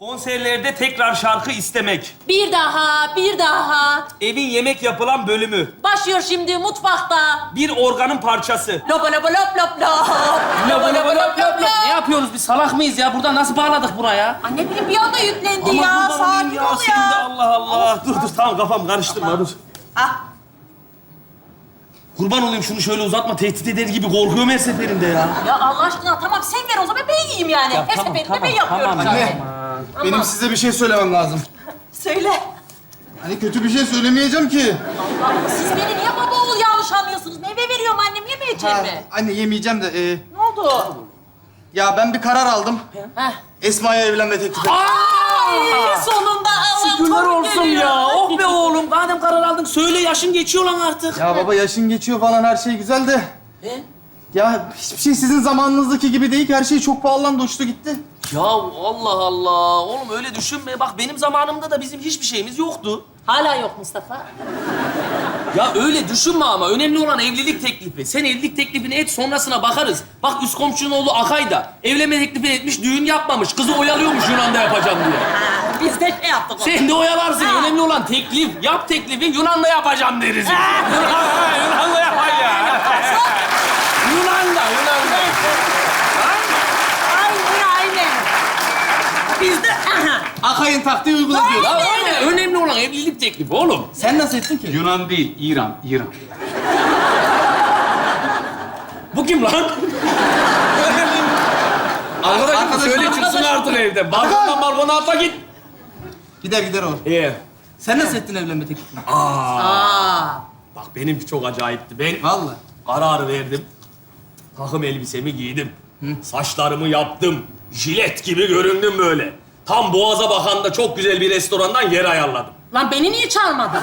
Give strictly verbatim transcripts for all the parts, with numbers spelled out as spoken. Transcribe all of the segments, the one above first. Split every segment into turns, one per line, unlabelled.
Konserlerde tekrar şarkı istemek.
Bir daha, bir daha.
Evin yemek yapılan bölümü.
Başlıyor şimdi mutfakta.
Bir organın parçası.
Lopa lopa lop lop lop.
Lop lop lop lop lop. Ne yapıyoruz biz? Salak mıyız ya? Buradan nasıl bağladık buraya?
Anne benim bir anda yüklendi
Ama
ya.
kurban olayım
Sakin
ya,
ol
sen de
ya.
Allah Allah. Dur dur tamam kafam karıştırma dur.
Ah.
Kurban olayım şunu şöyle uzatma. Tehdit eder gibi korkuyorum her seferinde ya.
Ya Allah aşkına tamam sen ver o zaman ben yiyeyim yani.
Ya
Her
tamam,
seferinde
tamam,
ben yapıyorum
tamam.
zaten.
Anne, benim size bir şey söylemem lazım.
Söyle.
Hani kötü bir şey söylemeyeceğim ki.
Allah siz beni niye baba oğul yanlış anlıyorsunuz? Meyve veriyorum annem yemeyeceğim
Ha,
mi?
anne yemeyeceğim de. e,
Ne oldu?
ya ben bir karar aldım.
Heh.
Esma'ya evlenme teklifi ettim.
Ay, sonunda Allah'ım
Şükürler
torun
olsun
geliyor.
ya. Oh be oğlum. Madem karar aldın söyle, yaşın geçiyor lan artık.
Ya baba yaşın geçiyor falan her şey güzel de.
E?
Ya hiçbir şey sizin zamanınızdaki gibi değil ki. Her şey çok pahalandı, uçtu gitti.
Ya Allah Allah. Oğlum öyle düşünme. Bak benim zamanımda da bizim hiçbir şeyimiz yoktu.
Hala yok Mustafa.
Ya öyle düşünme ama. Önemli olan evlilik teklifi. Sen evlilik teklifini et, sonrasına bakarız. Bak üst komşunun oğlu Akay da evlenme teklifi etmiş, düğün yapmamış. Kızı oyalıyormuş Yunan'da yapacağım diye.
Ha, biz de şey yaptık onu.
Sen de oyalarsın.
Ha.
Önemli olan teklif. Yap teklifi, Yunan'da yapacağım deriz. Yunan'da yapar ya. Yunan'da, Yunan'da.
Aynen aynen. Biz de aha.
Akay'ın taktiği uyguladı diyor.
Ya öyle. Önemli olan evlilik teklifi oğlum.
Sen nasıl ettin ki?
Yunan değil, İran, İran.
Bu kim lan? Arkadaşım
Arkadaşım,
söyle çıksın
arkadaşım.
artık evden. Balkondan balkona atla git.
Gider gider o.
İyi.
Sen nasıl ettin evlenme teklifini?
Aa.
Bak benimki çok acayipti. Ben
Vallahi.
karar verdim. Takım elbisemi giydim. Saçlarımı yaptım. Jilet gibi göründüm böyle. Tam Boğaz'a bakan da çok güzel bir restorandan yer ayarladım.
Lan beni niye çağırmadın?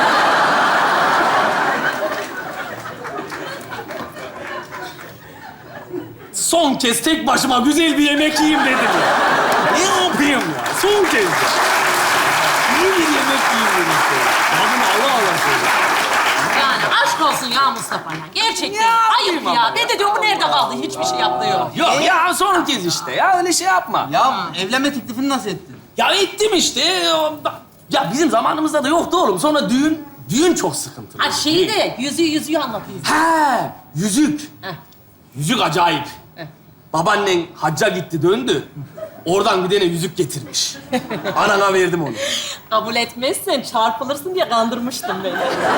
Son kez tek başıma güzel bir yemek yiyeyim dedim ya. Ne yapayım ya? Son kez ya. İyi bir yemek yiyeyim dedim işte. Adını Allah Allah söyle.
Yani aşk olsun ya Mustafa ya. Gerçekten
Ya,
ayıp
yapayım
ya.
ama
Ben de diyorum bu nerede kaldı? Hiçbir şey yapmıyor.
Yok ya son kez işte ya öyle şey yapma. Ya,
Ya evlenme teklifini nasıl ettin?
ya ettim işte. Ya bizim zamanımızda da yoktu oğlum. Sonra düğün, düğün çok sıkıntılı.
Ha şeyi de yüzüğü yüzüğü anlatayım.
He, yüzük.
Heh.
Yüzük acayip.
Heh.
Babaannen hacca gitti döndü. Oradan bir tane yüzük getirmiş. Anana verdim onu.
Kabul etmezsen çarpılırsın diye kandırmıştım beni.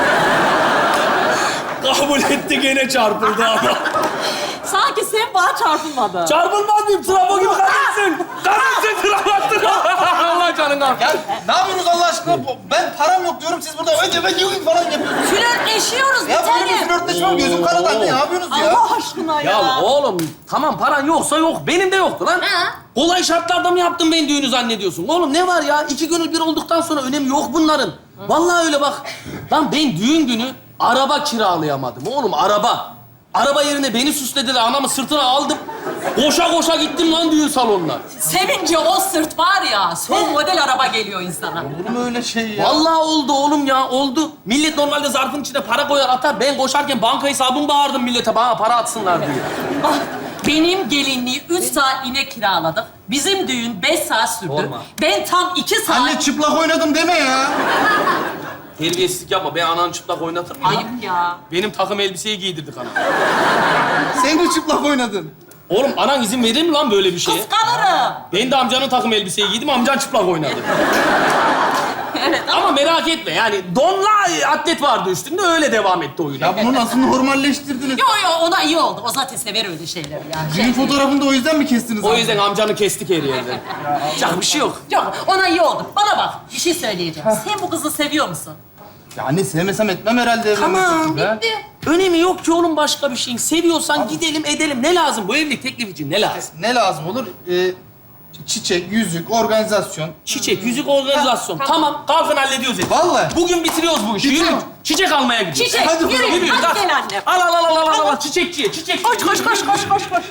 Kabul etti gene çarpıldı ama.
Sanki sen bana çarpılmadın.
Çarpılmaz mıyım? Trafo gibi kadınsın. Kadınsın trafattın. Allah canını al.
Ya ne yapıyorsunuz Allah aşkına? Bu- Ben param yok diyorum, siz burada önce ben yiyeyim falan yapıyorsunuz.
Flörtleşiyoruz bir
Ya böyle bir
tanem.
flörtleşme var, gözüm karadı anne. Ne yapıyorsunuz ya?
Allah aşkına ya.
Ya oğlum tamam paran yoksa yok. Benim de yoktu lan.
Ha?
Kolay şartlarda mı yaptım ben düğünü zannediyorsun? Oğlum ne var ya? İki gönül bir olduktan sonra önemi yok bunların. Vallahi öyle bak. Lan ben düğün günü araba kiralayamadım oğlum araba. Araba yerine beni süslediler. Anamı sırtına aldım. Koşa koşa gittim lan düğün salonuna.
Sevince o sırt var ya, son model araba geliyor insana.
Olur mu öyle şey ya?
Vallahi oldu oğlum ya oldu. Millet normalde zarfın içine para koyar atar. Ben koşarken banka hesabımı bağırdım millete bana para atsınlar diye.
Ah, benim gelinliği üç saat inek kiraladık. Bizim düğün beş saat sürdü.
Sorma.
Ben tam iki saat...
Anne çıplak oynadım deme ya.
Terbiyesizlik yapma. Ben ananı çıplak oynatır mıyım?
Ayıp ya.
Benim takım elbiseyi giydirdik ana.
Sen de çıplak oynadın.
Oğlum anan izin verir mi lan böyle bir şeye?
Kıskanırım.
Ben de amcanın takım elbiseyi giydim, amcan çıplak oynadı.
Evet ama...
Ama merak etme yani donla atlet vardı üstünde öyle devam etti oyuna.
Ya bunu nasıl normalleştirdiniz?
Yo yo ona iyi oldu. O zaten sever öyle şeyleri yani.
Düğün fotoğrafını da o yüzden mi kestiniz?
O
abi?
yüzden amcanı kestik her yerden. Yapacak bir şey yok.
Yok ona iyi oldu. Bana bak bir şey söyleyeceğim. Sen bu kızı seviyor musun?
Ya anne sevmesem etmem herhalde. evlenme
Tamam,
teklifi, ha?
Bitti.
Önemi yok ki oğlum başka bir şeyin. Seviyorsan gidelim edelim. Ne lazım bu evlilik teklif için ne lazım?
Ne lazım olur? Ee, çiçek, yüzük, organizasyon.
Çiçek, yüzük, organizasyon. Tamam, kalkın hallediyoruz hep.
Vallahi.
Bugün bitiriyoruz bu işi.
Bitirin.
Yürü. Çiçek almaya gidiyoruz.
Çiçek
Hadi
yürü.
bakalım,
Yürü,
Hadi
kalk.
gel annem.
Al al al al al al çiçekçiye, çiçekçiye.
Koş koş koş koş koş koş.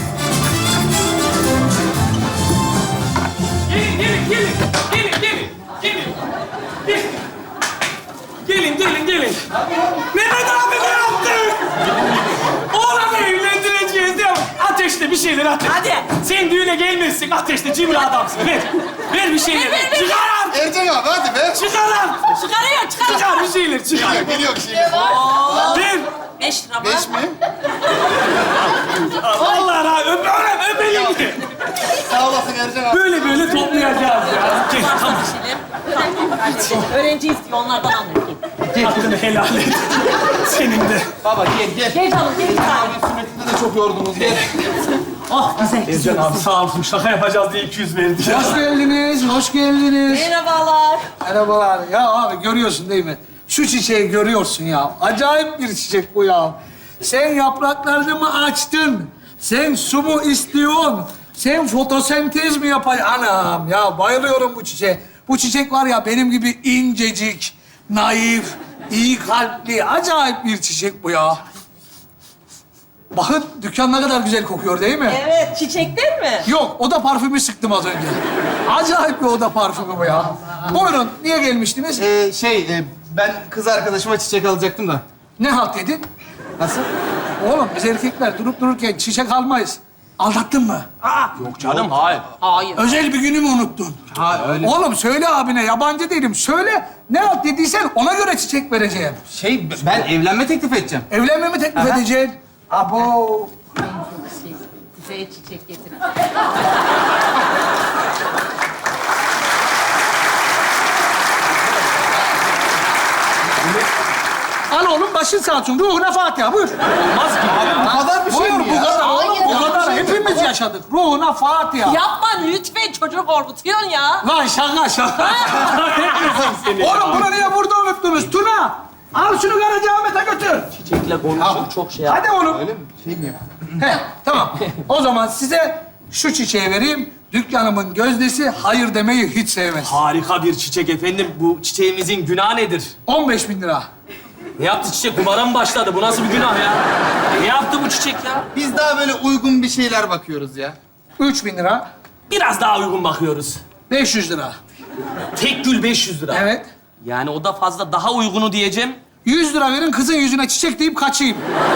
Gelin, gelin, gelin. Gelin, gelin. Gelin. Gelin. Gelin, gelin, gelin. Mehmet abi ne yaptın? Oğlanı evlendireceğiz değil mi? Ateşle
bir şeyler ateş.
Hadi.
Sen düğüne gelmezsin ateşte cimri adamsın. Ver. Ver bir şeyler.
Ver, ver, ver.
Çıkar lan.
Ercan abi hadi be.
Çıkar lan.
Çıkarıyor, çıkarıyor.
Çıkar bir şeyler çıkar.
Geliyor şimdi.
Ver.
Beş lira mı?
Beş mi?
Allah razı öp, öp, öpelim ki.
Sağ olasın Ercan abi.
Böyle böyle toplayacağız ya. Gel tamam.
Seçelim. Tamam, halledelim. Öğrenci istiyor, onlardan alın.
Hakkını helal et. Senin de.
Baba gel gel.
Gel canım, gel bir tane.
Abi sünnetinde de çok yordunuz. Gel.
Oh, güzel, güzel.
Ercan abi sağ olsun şaka yapacağız diye iki yüz verdi ya.
Hoş geldiniz, hoş geldiniz.
Merhabalar.
Merhabalar. Ya abi görüyorsun değil mi? Şu çiçeği görüyorsun ya. Acayip bir çiçek bu ya. Sen yapraklarını mı açtın? Sen su mu istiyorsun? Sen fotosentez mi yapacaksın? Anam ya bayılıyorum bu çiçeğe. Bu çiçek var ya benim gibi incecik, naif, iyi kalpli, acayip bir çiçek bu ya. Bakın dükkan ne kadar güzel kokuyor değil mi?
Evet, çiçekten mi?
Yok, oda parfümü sıktım az önce. Acayip bir oda parfümü bu ya. Buyurun, niye gelmiştiniz?
Ee, şey e, ben kız arkadaşıma çiçek alacaktım da.
Ne halt edin?
Nasıl?
Oğlum biz erkekler durup dururken çiçek almayız. Aldattın mı?
Yok canım hayır.
Hayır.
Özel bir günü mü unuttun?
Ha öyle.
Oğlum söyle abine, yabancı değilim. Söyle, ne halt dediysen ona göre çiçek vereceğim.
Şey ben evlenme teklif edeceğim.
Evlenme mi teklif
Aha.
edeceksin? Abo.
Şey, Kuzeye çiçek getirin.
Al oğlum, başın sağ olsun. Ruhuna Fatiha, buyur.
Olmaz ki.
Abi bu kadar bir şey
Buyur,
mi
bu
ya?
kadar oğlum,
Hayır,
bu kadar.
hayır.
Hepimiz yaşadık. Ruhuna Fatiha.
Yapma lütfen, çocuğu korkutuyorsun ya.
Lan şaka şaka. Oğlum bunu niye burada unuttunuz? Tuna, al şunu Karacaahmet'e götür.
Çiçekle konuşup çok şey yap.
Hadi oğlum.
Öyle mi? Şey mi ya?
He, tamam. O zaman size şu çiçeği vereyim. Dükkanımın gözdesi hayır demeyi hiç sevmez.
Harika bir çiçek efendim. Bu çiçeğimizin günahı nedir?
on beş bin lira.
Ne yaptı çiçek? Kumara mı başladı? Bu nasıl bir günah ya? Ne yaptı bu çiçek ya?
Biz daha böyle uygun bir şeyler bakıyoruz ya.
üç bin lira.
Biraz daha uygun bakıyoruz.
beş yüz lira.
Tek gül beş yüz lira.
Evet.
Yani o da fazla daha uygunu diyeceğim.
yüz lira verin kızın yüzüne çiçek deyip kaçayım.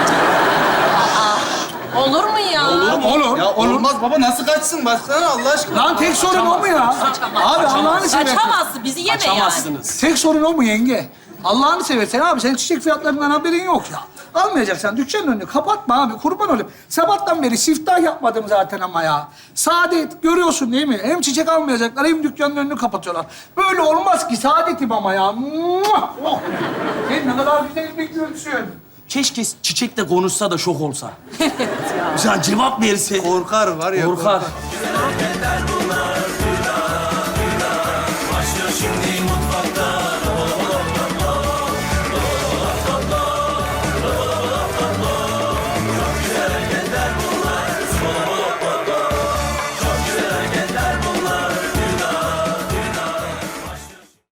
Olur mu ya?
Olur mu?
Olur.
Ya
olur.
olmaz baba nasıl kaçsın? Baksana Allah aşkına.
Lan tek sorun o mu ya?
Kaçamaz.
Abi Allah'ını seversen.
Kaçamazsın, bizi yeme yani.
Kaçamazsınız.
Tek sorun o mu yenge? Allah'ını seversen abi senin çiçek fiyatlarından haberin yok ya. Almayacaksan dükkanın önünü kapatma abi kurban olayım. Sabahtan beri siftah yapmadım zaten ama ya. Saadet görüyorsun değil mi? Hem çiçek almayacaklar hem dükkanın önünü kapatıyorlar. Böyle olmaz ki saadetim ama ya. Muah! Oh! Sen ne kadar güzel bir gülsün.
Keşke çiçek de konuşsa da şok olsa. Mesela cevap verse.
Korkar var ya.
Korkar.
Gider